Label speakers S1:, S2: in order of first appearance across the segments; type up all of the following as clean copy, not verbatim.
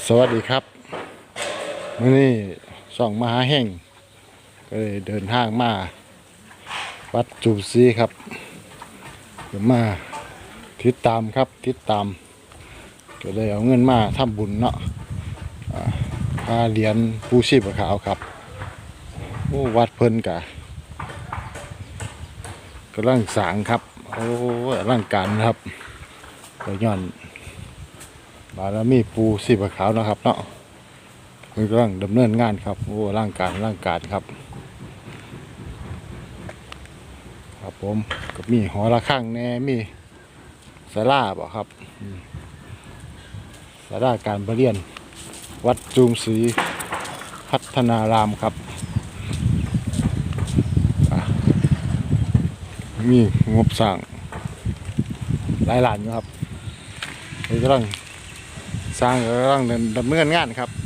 S1: สวัสดีครับมื้อนี้ส่องมหาแห่งก็เลยเดินทางมาวัดจุบซีครับเดี๋ยวมาติดตามครับติดตามก็เลยเอาเงินมาทำบุญเนาะค่าเหรียญปูชีพขาวครับโอ้วัดเพิ่นกะกำลังสร้างครับโอ้ร่างการครับก็ย้อนบารมีปูชีพขาวนะครับเนาะเพิ่นกำลังดำเนินงานครับโอ้ร่างการครับครับผมก็มีหอระฆังแน่มีศาลาบ่ครับศาลาการประเรียนวัดจุมศรีพัฒนารามครับมีงบสร้างหลายล้านอยู่ครับเพิ่นกำลังสร้างกำลังดำเนินงานครับ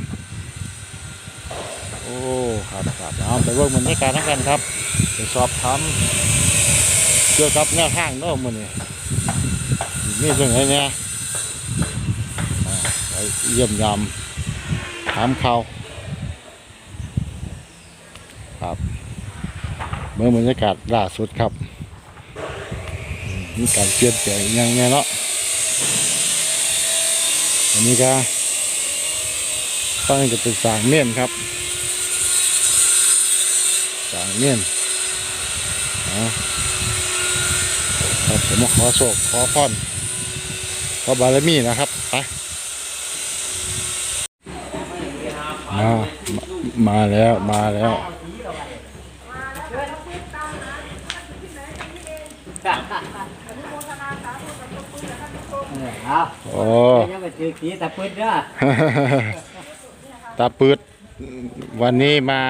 S1: โอ้ครับเอาไปเบิ่งบรรยากาศทั้งกันครับไปสอบถามเกี่ยวกับแนวทางเนาะมื้อนี้มีจังไดเนี่ยไปเยี่ยมยามถามข่าวครับเบิ่งบรรยากาศล่าสุดครับมีการเปลี่ยนแปลงยังไงเนาะอันนี้ก็ต้องจะเป็นสร้างเมี่ยนครับสร้างเมี่ยนครับผมมาขอโชคขอพรขอบารมีนะครับไปมาแล้วโอ้ตาปืดวันนี้มา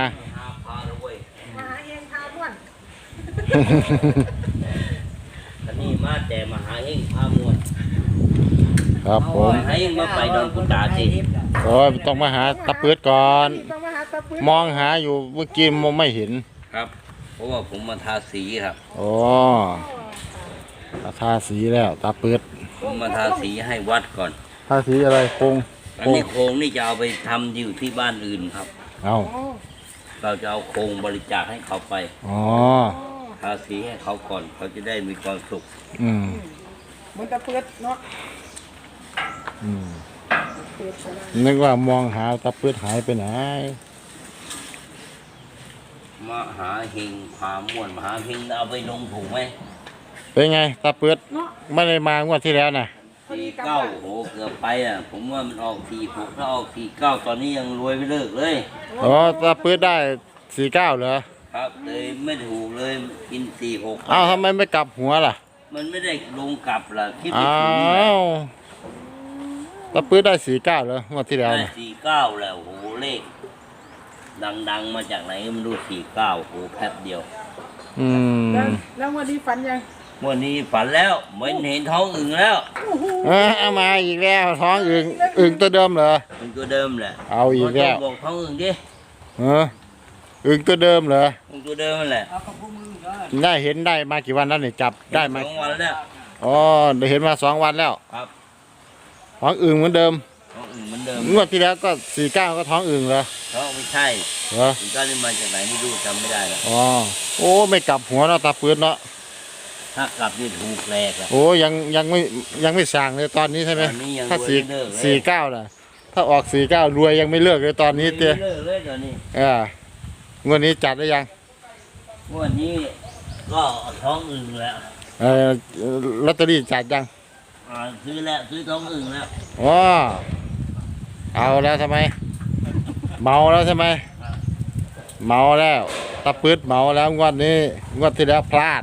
S2: อันนี้มาแต่มหาเฮงพามวล
S1: ครับผม
S2: ให้มาไปดอนกุตาสิ
S1: โอ้ต้องมาหาตาปืดก่อนมองหาอยู่เมื่อกี้มองไม่เห็น
S2: ครับเพราะว่าผมมาทาสีครับ
S1: โอ้ทาสีแล้วตาปืด
S2: ผมมาทาสีให้วัดก่อน
S1: ทาสีอะไรโครง
S2: อันนี้โครงนี่จะเอาไปทำอยู่ที่บ้านอื่นครับเราจะเอาโครงบริจาคให้เขาไปทาสีให้เขาก่อนเขาจะได้มีความสุข
S3: มันตะเปื้อนเนาะ
S1: นึกว่ามองหาตาปืดหายไปไหน
S2: มหาเฮงพามวลมหาเฮงเอาไปลงถูกไหม
S1: เป็นไงตาปืดไม่ได้มางวดที่แล้วนะ
S2: 49โหเกือบไปอ่ะผมว่ามันออก46ถ้าออก49ตอนนี้ยังรวยไม่เลิกเลย
S1: ตาปืดได้49เหรอ
S2: ครับเลยไม่ถูกเลยกิน46
S1: ทำไมไม่กลับหัวล่ะ
S2: มันไม่ได้ลงกลับล่ะคิด
S1: ไม่ถูกตาปืดได้49เหรองวดที่แล้ว
S2: ได้49แล้วโหเลขดังมาจากไหนไม่รู้49โหแป๊บเดียว
S3: แล้ววันนี้ฝันยัง
S2: วันนี้ฝันแล้วไม่เห็นท้องอึ่งแล้ว
S1: เอามาอีกแล้วท้องอึ่งตัวเดิมเหรอ
S2: อึ่งตัวเดิมแหละ
S1: เอาอีกแล้ว
S2: บอกท้องอึ่งดิ
S1: อึ่งตัวเดิมเหรอ
S2: อึ่งตัวเดิมแหละ
S1: ได้เห็นได้มากี่วันแล้วเนี่ยจับได้มา
S2: 2 วันแล้ว
S1: ได้เห็นมา2 วันแล้ว
S2: ครับ
S1: ท้องอึ่งเหมือนเดิม
S2: ท้องอึ่งเหมือนเดิม
S1: งวดที่แล้วก็49ก็ท้องอึ่งเหรอ
S2: ท้องไม่ใช่
S1: เหรอ
S2: 49นี่มาจากไหนไม่รู้จำไม่ได้แล้ว
S1: โอ้ไม่กลับหัวเนาะตาปืนเนาะ
S2: ถ้ากลับนี่ถูกแหลกอ่ะ
S1: ยังไม่สั่งเลยตอนนี้ใช่ไหมถ้า49น่ะถ้าออก49รวยยังไม่เลิกเลยตอนนี้เตี้ย
S2: เลิกเลยตอนนี้
S1: งวดนี้จัดได้ยัง
S2: งวดนี้ก็ท้องอึ่งแล้ว
S1: ลอตเตอรี่จัดยัง
S2: ซื้อแล้วซื้อท้องอึ่งแล้ว
S1: เอาแล้วทำไมเมาแล้วใช่ไหมเมาแล้วตะปืดเมาแล้วงวดนี้งวดที่แล้วพลาด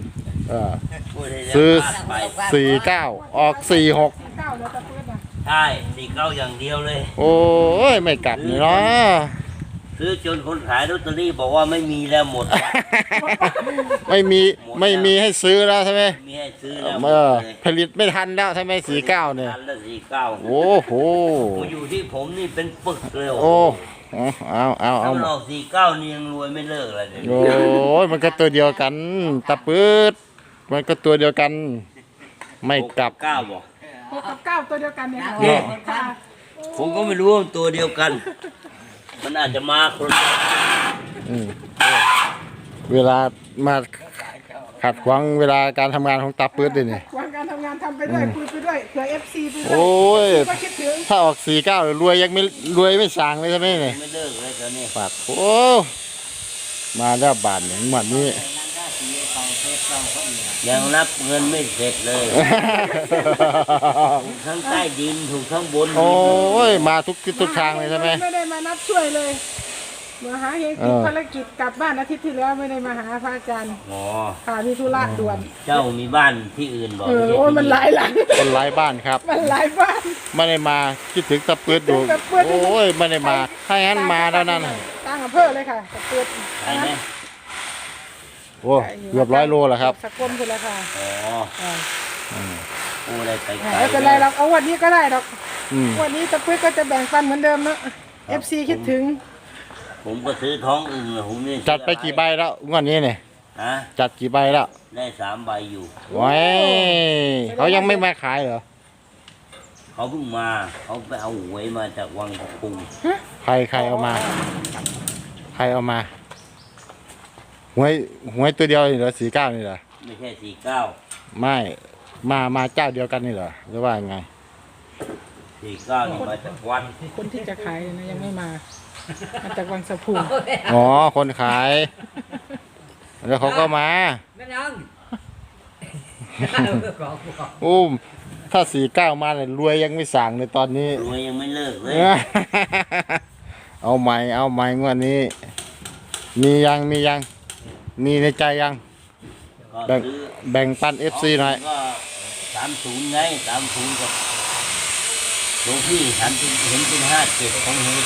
S1: ซื้อ49ออก46
S2: ใช่49อย่างเดียวเลย
S1: โอ้ยไม่กลับนี่เนาะ
S2: ซื้อจนคนขายลอตเตอรี่บอกว่าไม่มีแล้วหมด
S1: ไม่มีให้ซื้อแล้วใช่ไหม
S2: มีให้ซื้อแล้ว
S1: ผลิตไม่ทันแล้วใช่ไหม49เนี่ย
S2: ทันแล้ว49
S1: โอ้โห
S2: อยู่ที่ผมนี่เป็นปึกเลย
S1: โอ้เอา
S2: ถ้ามันออก49นี่ยังรวยไม่เลิกเลย
S1: โอ้ยมันก็ตัวเดียวกันตะปืดมันก็ตัวเดียวกันไม่กลับ
S2: 9บอก
S3: 6 กับ 9ตัวเดียวกันเนี่ย
S2: ผมก็ไม่รู้ว่ามันตัวเดียวกัน มันอาจจะมาคน
S1: อืมเวลามาขัดขวางเวลาการทำงานของตาปื๊ดดิเนี่ย
S3: วันการทำงานทำไปด้วยคุยไปด้วยเผื่อ FC ไปด้วย
S1: โอ้ย
S3: ก็คิดถึง
S1: ถ้าออก49รวยยังไม่รวยไม่สางเลยใช่ไหมเนี่ย
S2: ไม่เลิกเลยตอนนี้
S1: ปากโอ้มาแล้วบาทอย่างหมัดนี้
S2: ยังรับเงินไม่เสร็จเลยถูกทั้งใต้ดินถูกทั้งบนดิน
S1: โอ้ยมาทุกทิศทุกทางเลยใช่ไหม
S3: ไม่ได้มานับช่วยเลยมาหาเฮงติดภารกิจกลับบ้านอาทิตย์ที่แล้วไม่ได้มาหาพระอาจารย์
S2: อ๋อ
S3: ค่ะมีธุระด่วน
S2: เจ้ามีบ้านที่อื่นบอก
S3: โอ้ยมันหลายหลัง
S1: คนไร้บ้านครับ
S3: มันหลายบ้าน
S1: ไม่ได้มาคิดถึงตะปืดอยู่
S3: คิดถึงตะปื๊ด
S1: โอ้ยไม่ได้มาถ้างั้นมาแล้วนั่นน่ะ
S3: ตั้งอำเภอเลยค่ะตะเปิด
S2: ใช่ไหม
S1: โอ้เกือบ100 โลแล้วครับ
S3: สกลคุณละค่ะ
S2: อ๋อ
S3: อ่า
S2: โอ้ได้ไปไกล
S3: ไม่เป็นไรหรอกเอาวันนี้ก็ได้หรอก
S1: อืม
S3: วันนี้ตะปุ้ยก็จะแบ่งปันเหมือนเดิมเนอะ FC คิดถึง
S2: ผมก็ซื้อท้องอึ่งเลยผมนี่
S1: จัดไปกี่ใบแล้วงวดนี้เนี่ย
S2: ฮะ
S1: จัดกี่ใบแล้ว
S2: ได้3 ใบอยู่
S1: ไว้เขายังไม่มาขายเหรอ
S2: เขาเพิ่งมา เขาไปเอาหวยมาจากวังตะพุง
S1: ใครเอามา ใครเอามาหวยตัวเดียวนี่เหรอ49นี่เหรอ
S2: ไม่ใช่49
S1: ไม่มาเจ้าเดียวกันนี่เหรอหรือว่าไง
S2: 49นี่มาจากวัด
S3: คนที่จะขายนะยังไม่มามาจากวังสะพุง
S1: อ๋อคนขายแล้วเขาก็มา
S4: ไม่ยัง
S1: โอ้ถ้า49มาเนี่ยรวยยังไม่สั่งเลยตอนนี้
S2: รวยยังไม่เลิกเลย
S1: เอาใหม่งวดนี้ มีมีในใจยัง
S2: ก็
S1: แบ่ง
S2: ซื้อ
S1: แบ่งปัน FC หน่อย
S2: ก็30ไง30กับหลวงพี่เห็นเป็น57ผมเห็นเป็น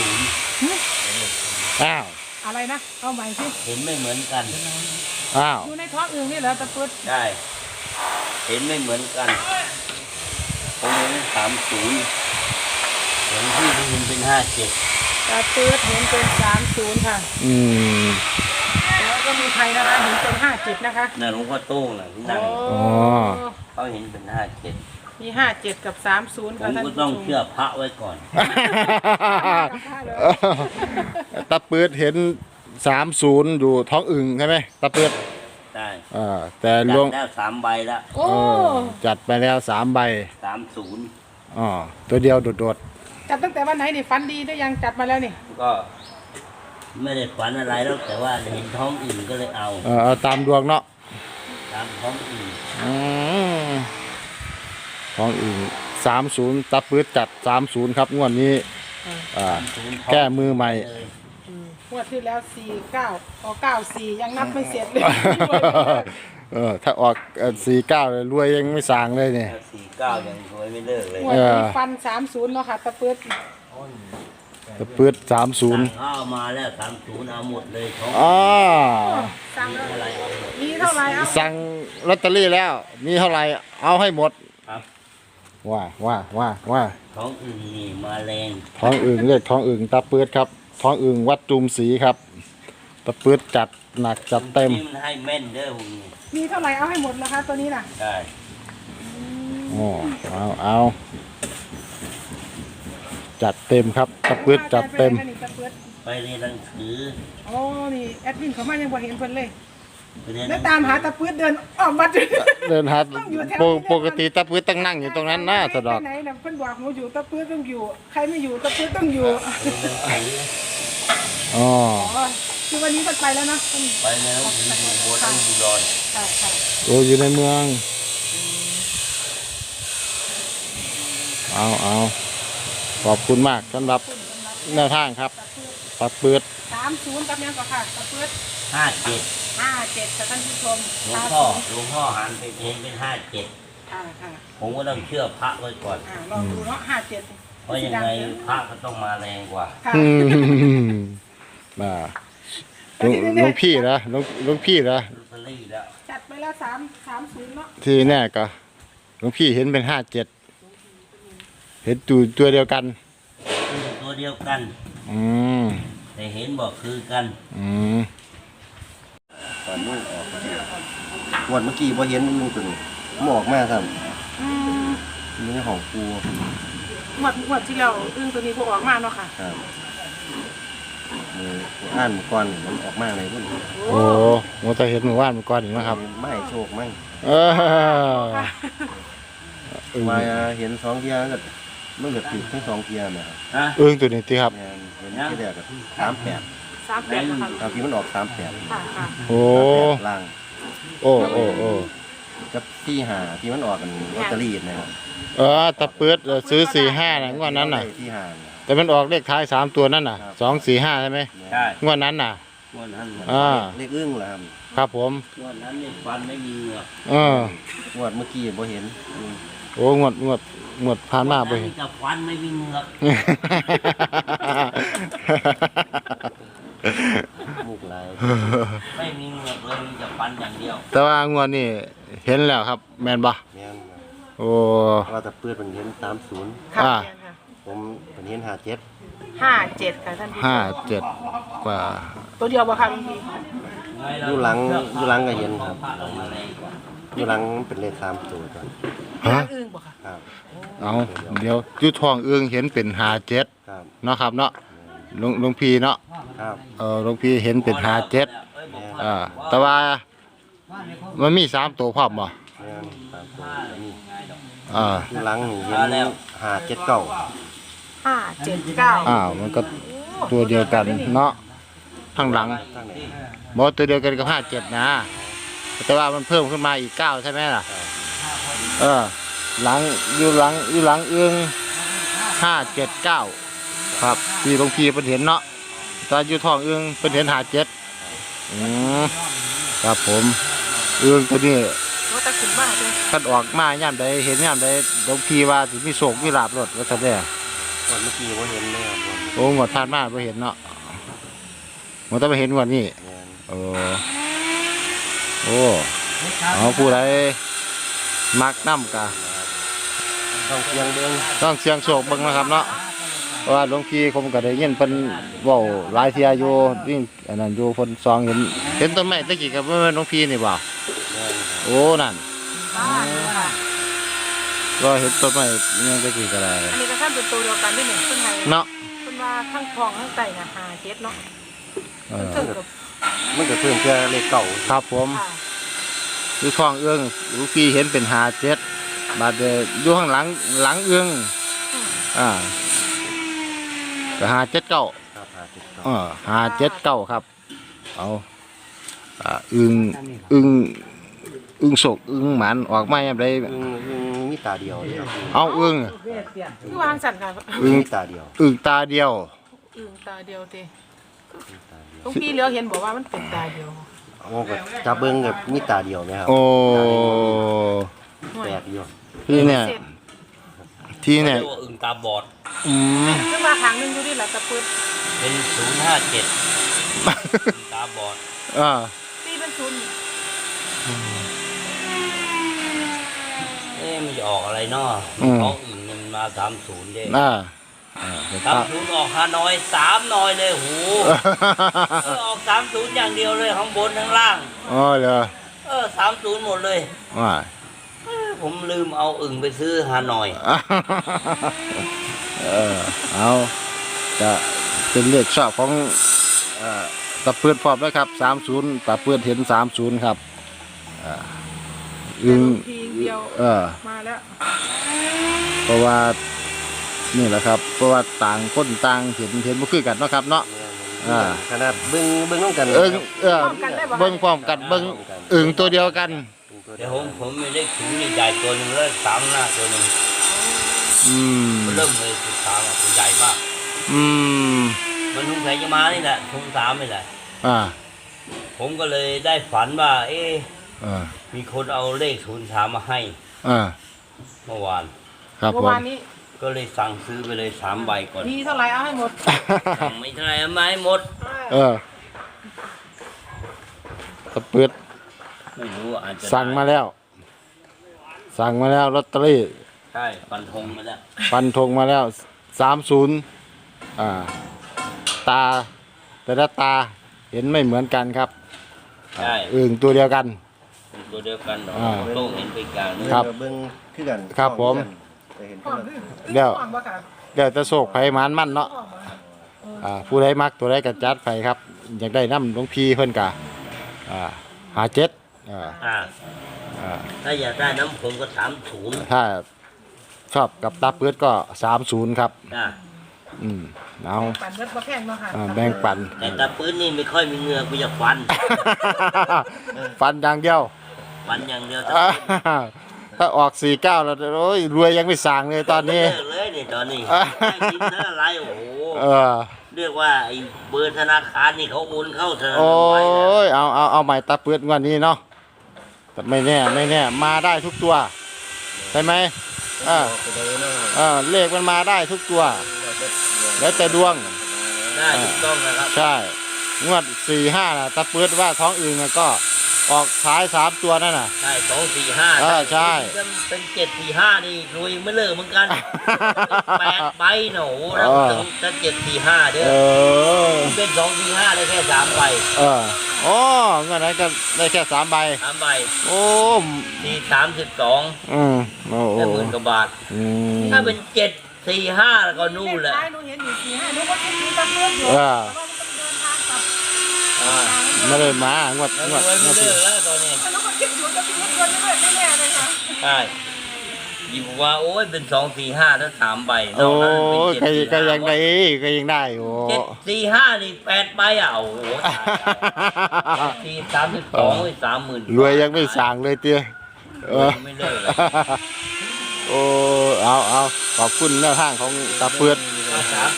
S2: 30
S1: อ้าว
S3: อะไรนะ เอาใหม่สิ
S2: เห็นไม่เหมือนกัน
S1: อ้าว
S3: อยู่ในท้องอื่นนี่เหรอตะปุ้ย
S2: ได้ เห็นไม่เหมือนกัน ผมเห็น30หลวงพี่เห็นเป็น57
S3: ตะปุ้ยเห็นเป็น30ค่ะ
S1: อืม
S3: แล้วก็มีใครนะคะเห็นเป็น57นะคะ
S2: น่ะหลวงพ่อโต้งน่ะที่นั่ง
S1: อ๋อ
S2: เขาเห็นเป็น57
S3: มี57กับ30
S2: ผ
S3: ค่ะ
S2: ม
S3: ท่าน
S2: ก็
S3: ผู้ช
S2: ต้อง
S3: ม
S2: เชื่อพระไว้ก่อน
S1: ตาปืดเห็น30อยู่ท้องอึ่งใช่ไหมตาปืด
S2: ได้
S1: แต่หล
S2: จั
S1: ว
S2: ด
S1: ง
S2: แล้ว3 ใบแล้ว
S3: โอ้
S1: จัดไปแล้ว3 ใบ
S2: 30
S1: อ๋อตัวเดียวโดด
S3: จัดตั้งแต่วันไหนนี่ฟันดีได้ยังจัดมาแล้วนี่
S2: ก็ไม่ได้ฝันอะไรแล้วแต่ว่าเห็นท้องอื่นก็เลยเอา
S1: เอาตามดวงเนาะ
S2: ตามท้องอื่น
S1: อืมท้องอึ่ง30ตาปืดจัด30ครับงวดนี้แก้มือใหม่
S2: เลย
S3: งวดที่แล้ว49ออก94ยังนับไม่เสร็จเลย
S1: ถ้าออก49เลยรวยยังไม่สางเลยเนี่ย
S2: ถ้า49ยังรวยไม่เลิกเลย
S3: งวดนี้ฟัน30เนาะค่ะตะปุ้ย
S1: ตะปืด
S2: สั่ง
S1: 30
S2: ข้าวมาแล้ว30เอาหมดเลยท้อง
S1: อ๋อ
S3: สั่ง
S2: อะไรเอาหมด
S3: มีเท่าไหร่เอา
S1: สั่งลอตเตอรี่แล้ว มีเท่าไหร่เอาให้หมด
S2: ครับ
S1: ว่า
S2: ท้องอื่นนี่มาแรง
S1: ท้องอึ่งเรียกท้องอึ่งตาปืดครับ ท้องอึ่งวัดจุมศรีครับตาปืดจัดหนักจัดเต็ม
S2: นี่มันให้แม่นเด้อพวกนี้
S3: มีเท่าไหร่เอาให้หมดนะคะตัวนี้น่ะ
S2: ได้
S1: อ๋อเอาจัดเต็มครับตาปืดจัดเต็ม
S3: ไปไหนคะนี่ตะปื๊ด
S2: ไปเรียนหนังสือ
S3: โอ้นี่แอดมินเขามายังบ่เห็นเพิ่นเลย
S2: ไปเรียนห
S3: แล้
S2: นั
S3: ว
S2: ง
S3: ตามหาตะปื๊ดเดินออกมาจน
S1: เดินหา
S3: ต้องอยู่แถว
S1: ปกติตาปืดต้องนั่งอยู่ตรงนั้นนะสะดอก
S3: ไปไหนน่ะเพิ่นบอกหนูอยู่ตะปื๊ดต้องอยู่ ใครไม่อยู่ตะปื๊ดต้องอยู่
S2: เรียนหนังสือ
S1: อ๋อ
S3: อ๋อคือวันนี้เพิ่นไปแล้วนะเพิ่น
S2: ไปเรียนหนังสืออยู่บนต้องอยู่ดอน
S3: ค่ะค่ะ
S1: โอ้อยู่ในเมืองเอาขอบคุณมากสำหรับแนวทางครับตาปืด
S3: 30กับยังก็ค่ะตะปื๊ด
S2: 57
S3: 57ค่ะท่านผู้ชม
S2: หลวงพ่อหันไปเห็นเป็น57
S3: ค่ะค่ะ
S2: ผมก็ต้องเชื่อพระไว้ก่อน
S3: ลองดูเนาะ57
S2: เพราะยังไงพระก็ต้องมาแรงกว่า
S3: ค่ะ
S1: อืมมาหลวงพี่นะหลวงพี่นะ
S2: ลอตเตอรี่แล้ว
S3: จัดไปแล้ว30เนาะ
S1: ที่แน่ก็หลวงพี่เห็นเป็น57เห็นตัวเดียวกัน
S2: ตัวเดียวกัน
S1: อืม
S2: แต่เห็นบอกคือกัน
S1: อืม
S5: ตอนลูกออกงวดเมื่อกี้พอเห็นลูกตัวนี้หมออกมาครับ
S3: อืม
S5: นี่ของปู
S3: หมดที่เราอึ้งตัวนี้พวกออกมาเนาะค่ะ
S5: ครับมืออ่านก่อนมันออกมาเลยพุ่น
S1: โอ้โหจะเห็นหมู่บ้านเมื่อก่อนอีกนะครับ
S5: ไม่โชคมั่ง
S1: เอออึ้ง
S5: มาเห็น2 เที่ยก็มันก็ติดทั้ง2 เที่ยนะครับ
S2: ฮะ
S1: อึ้งตัวนี้ที่ครับ
S5: แม่นเห็นที่แรกก็38
S3: 38นะคะ
S5: บางทีมันออก38
S3: ค่ะค่ะ
S1: โอ้
S5: ล่าง
S1: โอ้โอ้โอ้
S5: กับที่หาที่มันออกกันลอตเตอรี่นะครับ
S1: ตะเปิดซื้อ4-5นะงวดนั้นน่ะ
S5: ที่หา
S1: แต่มันออกเลขท้าย3ตัวนั่นน่ะ2-4-5ใช่ไหม
S2: ใช่
S1: งวดนั้นน่ะ
S2: งวดนั้น
S5: เลขอึ้งเหรอครับ
S1: ครับผม
S2: งวดนั้นนี่ฟันไม่มีเหงือก
S5: งวดเมื่อกี้บ่เห็น
S1: โอ้งวดผ่านมาไป
S2: งวดนั้นนี่กับฟันไม่มีเหงือก
S5: มุกหลาย
S2: ไม่มีเหงือกเลยมีแต่ฟันอย่างเดียว
S1: แต่ว่างวดนี้เห็นแล้วครับ แมนบ่
S5: แม่น
S1: โอ้
S5: ว่าแต่เปิดมันเห็น30
S3: ค่ะ
S1: อ่า
S3: แม่นค่ะ
S5: ผมเป็นเห็น57
S3: 57ค่ะท่านผู้ชม
S1: 57กว่า
S3: ตัวเดียวบ่ค่ะบางที
S5: อยู่หลังก็เห็นครับอยู่หลังเป็นเลข3 ตัวก่อน
S1: ฮะ
S3: อึ้งบ่ค่ะ
S5: ครับ
S1: เอาเดี๋ยวอยู่ท้องเอื้องเห็นเป็น57
S5: ครับ
S1: เนาะครับเนาะหลวงพี่เนาะ
S5: ครับ
S1: หลวงพี่เห็นเป็น57แต่ว่ามันมี3ตัวพร้อมบ่
S5: แม่น3 ตัวนี่
S1: อ่า
S5: อยู่หลังนี่เห็น579
S3: 579
S1: มันก็ตัวเดียวกันเนาะข้างหลัง
S5: ตั้งไหน
S1: บ่ตัวเดียวกันกับ57นะแต่ว่ามันเพิ่มขึ้นมาอีก9ใช่ไหมล่ะหลังอยู่หลังเอื้อง579ครับที่หลวงพี่เพิ่นเห็นเนาะตอนอยู่ท้องเอื้องเพิ่นเห็น57ครับผมเอื้องตัวนี้
S3: ว่าตะขึ้นมาเด้อ
S1: คันออกมายามใดเห็นยามใดหลวงพี่ว่าสิมีโชคมีลาภรถว่าซั่นแหละ
S5: วันเมื่อกี้บ่เห็นเลยครับวัน
S1: โอ้งวดผ่านมาบ่เห็นเนาะมันต้องมาเห็นงวดนี้
S5: แม่น
S1: โอ้เอาผู้ใดมักน้ำกะ
S5: ต้องเพียงเบิ่ง
S1: ต้องเสียงโชคเบิ่งนะครับเนาะเพราะว่าหลวงพี่ผมก็ได้ยินเพิ่นเว้าหลายเที่ยอยู่นี่อันนั้นอยู่เพิ่นซองเห็นต้นไม้ตะกี้ก็บ่แม่นหลวงพี่นี่บ่
S5: แม่นครับ
S1: โอ้นั่น
S3: บ้านค่ะ
S1: ก็เห็นต้นไม้ยังตะกี้ก็ได้
S3: อันนี้ก็ท่านเป็นตัวเดียวกันด้วยนี่เพิ่นให้
S1: เนาะ
S3: เพิ่นว่าทั้งทองทั้งไตน่ะ57เนาะ
S1: เออ
S3: เพิ่นกับ
S5: มันก็เพิ่มแค่เลขเก่า
S1: ครับผม
S3: ค่ะ
S1: อยู่ท้องเอื้องหลวงพี่เห็นเป็น57บาดอยู่ข้างหลังเอื้องก็579
S5: ครับ579
S1: 579ครับเอาอึงโศกอึงหมันออกมาอย่างไร
S5: มีตาเดียวเลยครับ
S1: เอาอึง
S3: คือวางสั่นค่ะ
S1: อึง
S5: มีตาเดียว
S1: อึงตาเดียว
S3: อึ้งตาเดียวติหลวงพี่เหลียวเห็นบอกว่ามันเป็นตาเดียว
S5: เอาก็จับเบิ่งกับมีตาเดียวไหมครับ
S1: โอ้
S5: แปลกอยู่
S1: ที่เนี่ยที่เนี่ย
S2: เรียกว่าอึ่งตาบอด
S1: อืม
S3: ขึ้นมาครั้งหนึงอยู่ดิล่ะตะปืด
S2: เป็น057ตาบอด
S3: ตีเป็นศูนย์
S2: มันจะออกอะไรเนาะของอึ่งมันมา30เด้ 30ออกฮานอย3หน่อยเลยโหออก30อย่างเดียวเลยข้างบนข้างล่าง
S1: อ๋อเหรอ
S2: 30หมดเลย
S1: ว่า
S2: ผมลืมเอาอึ่งไปซื้อฮานอย
S1: เอาจะเป็นเลขชอบของตะเพื่อนพร้อมแล้วครับ30ตะเพื่อนเห็น30ครับอึง
S3: ทีเดียวมาแล้ว
S1: เพราะว่านี่แหละครับ เพราะว่าต่างคนต่างเห็นบ่คือกันเนาะครับเนาะ
S5: ขนาดเบิ่งน้องกัน
S1: เบิ่งพร้อมกันเบิ่งอึ่งตัวเดียวกัน
S2: แต่ผมไม่ได้ถุงใหญ่ตัวหนึงแล้ว3หน้าตัวหนึง มันเริ่มเลย13อ่ะมันใหญ่มาก มันสงสัยจะมานี่แหละถุง3นี่แหละผมก็เลยได้ฝันว่ามีคนเอาเลข03มาให้เมื่อวาน
S1: ครับ
S3: เมื่
S1: ผ
S3: อ
S1: ม
S3: วานนี้
S2: ก็เลยสั่งซื้อไปเลย3ใบก่อน
S3: มีเท่าไหร่เอาให้หมด
S2: สั่งไม่เท่าไหร่เอามาให้หมด
S1: ตะเปิด
S2: ไม่รู้อาจจะ
S1: สั่งมาแล้วลอตเตอรี่
S2: ใช่ฟันธงมาแล้ว
S1: ฟันธงมาแล้ว30ตาแต่ละตาเห็นไม่เหมือนกันครับ
S2: ใช่
S1: อึ่งตัวเดียวกัน
S2: เป็นตัวเดียวกันหรอกโต้งเห็นไปกลางนึง
S1: ครับ
S5: เบิ่งคือกัน
S1: ครับผม
S5: แต่เห็น
S3: ห้
S5: ก็
S3: อง
S5: เลย
S1: เดี๋ยว
S3: ห้องบ่ค่ะ
S1: เดี๋ยวจะโศกไผมันมันเนาะ
S3: ห้องบ่
S1: ผู้ใดมักตัวใดก็จัดไปครับ อยากได้น้ำหลวงพี่เพิ่นกะหาเจ็ด
S2: อ่า
S1: อ่า
S2: ถ้าอยากได้น้ำผมก็30
S1: ถ้าชอบกับตาเปื้ดก็30ครับ
S2: อ่า
S1: เอา
S3: ปั่นเบิดบ่แพงเนาะค่ะ
S1: แบ่งปัน
S2: แต่ตาปื้นนี่ไม่ค่อยมีเหงื่อกูอยากฟัน
S1: ฟันอย่างเดียว
S2: ฟันอย่างเดียว
S1: อ่าถ้าออก49แล้วโอ้ยรวยยังไม่สั่งเลยตอนนี้
S2: เลิกเลยนี่ตอนนี้ได้กินนะอะไรโอ้โห
S1: เออ
S2: เรียกว่าไอ้เบอร์ธนาคารนี่เขาโอนเข้าธนา
S1: โอ้
S2: คารไว้แล้ว
S1: ยเอาใหม่ตาเปื้ดงวันนี้เนาะแต่ไม่แน่มาได้ทุกตัวใช่ไหมเลขมันมาได้ทุกตัว แล้วแต่ดวง
S2: ได้ถูกต้องนะครับ
S1: ใช่งวด4-5น่ะตาเปื้ดว่าท้องอื่นน่ะก็ออกท้าย3ตัวนั่นน่ะ
S2: ใช่2 4 5
S1: ใช่
S2: เป็น7 4 5นี่รวยไม่เลิกเหมือนกัน8 ใบหนูแล้วจะ7 4 5เด้อ
S1: เออ
S2: เป็น2 4 5ได้แค่3 ใบ
S1: อ๋อเงินนั้นก็ได้แค่3 ใบ
S2: 3 ใบ
S1: โอ้
S2: ที่32
S1: โอ้
S2: ได้10,000 กว่าบาท ถ้าเป็น7 4 5แล้วก็นู่นแหละ
S3: ท้ายหนูเห็นอยู่4-5หนูก็คิดถึงตะเพื่อนอยู่
S1: เออ
S3: แต่ว่ามันต้องเดินทางกลับ
S1: ไม่ได้มางวด
S2: แล้ว
S1: ง
S2: ร
S1: วด
S2: วย
S1: ง
S2: ไม่
S1: วด
S2: เลิกแล้วตอนนี้
S3: แล้วก็คิดอยู่จะเป็นคนเรื่อยๆแน่ๆเลยค่ะ
S2: ใช่อยู่ว่าโอ้ยเป็น2 4 5แล้ว3 ใบน
S1: โอ้
S2: อกนั้นเป็น
S1: ย
S2: 7
S1: ก็
S2: 4
S1: ยังได้ก็ยังได้โอ้
S2: 7 4 5นี่8 ใบอ่ะโอ้โหที่32 30,000
S1: รวยยังไม่สั่งเลยเตี้ย
S2: รวยไม่เลิกเลย
S1: โอ้เอาขอบคุณแนวทางของตาเปื้อน
S2: ครับ